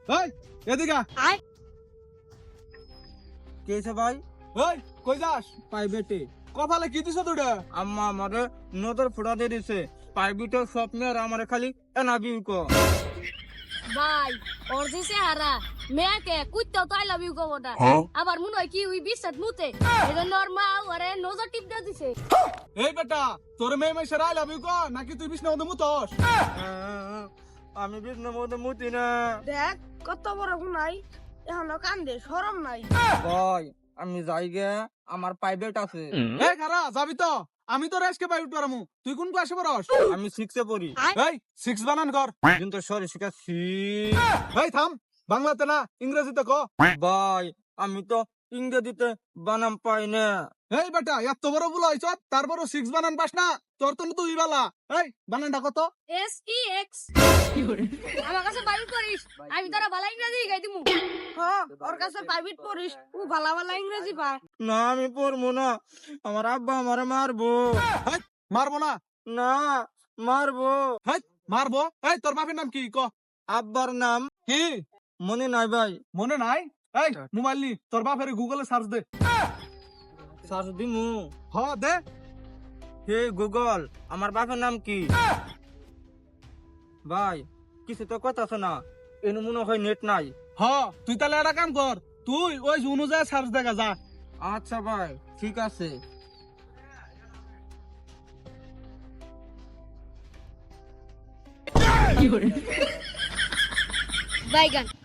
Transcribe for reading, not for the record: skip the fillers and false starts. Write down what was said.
এই এদিকে আয় কেছে ভাই? এই কই যাস? প্রাইভেটে। কপালে কি দিছ তোটা? আম্মা আমারে নদর ফুটা দিয়ে দিছে। প্রাইভেটের স্বপ্নে আর আমার খালি এনাবিউ ক। ভাই ওর যে চেহারা মেয়েকে কুত্তাও তো আই লাভ ইউ কবটা আবার মনে হয় কি ওই বিশ্বাস মুতে এজন্য ওর মা ওরে নজর টিপ দিয়ে দিছে। এই বেটা তোর মেয়ে মেয়ে সেরাই লাভ ইউ ক নাকি তুই বিষ্ণু মধ্যে মুতস? আমি বিষ্ণুর মধ্যে মুতি না। দেখ কত বড় গুনাই এখনো কান্দে শরম নাই। ভাই আমি যাই গে, আমার প্রাইভেট আছে। এই খারা যাবি তো? আমি তো রেসকে পাই উঠতে পারমু। তুই কোন ক্লাসে পড়স? আমি 6 এ পড়ি। এই 6 বানান কর। কিন্তু সরি শিখাচ্ছি। এই থাম, বাংলাতে না ইংরেজিতে ক। ভাই আমি তো ইংরেজিতে বানাম পাই না। এই বেটা এত বড় ভুল হইছ, তারপর 6 বানান পাস না? তোর তো তুই বালা। এই বানানটা কত? SEX আমার কাছে বাইর করিস আমি তোরা ভালো ইংরেজি গাই দিমু। ওর কাছে প্রাইভেট পড়িস ও ভালা ভালা ইংরেজি পায়। না আমি পড়বো না, আমার আব্বা আমারে মারবো। এই, মারবো না? না মারবো। এই মারবো। এই তোর বাপের নাম কি ক? আব্বার নাম কি মনে নাই ভাই। মনে নাই? এই মোবাইল নি, তোর বাপের গুগলে সার্চ দে। সার্চ দিমু। হ দে। হে গুগল, আমার বাপের নাম কি? ভাই কিছু তো কথা আছে না, এনে মনে হয় নেট নাই। হ তুই তাহলে একটা কাম কর, তুই ওই অনুযায়ী সার্চ দেখা যা। আচ্ছা ভাই ঠিক আছে। বাইগান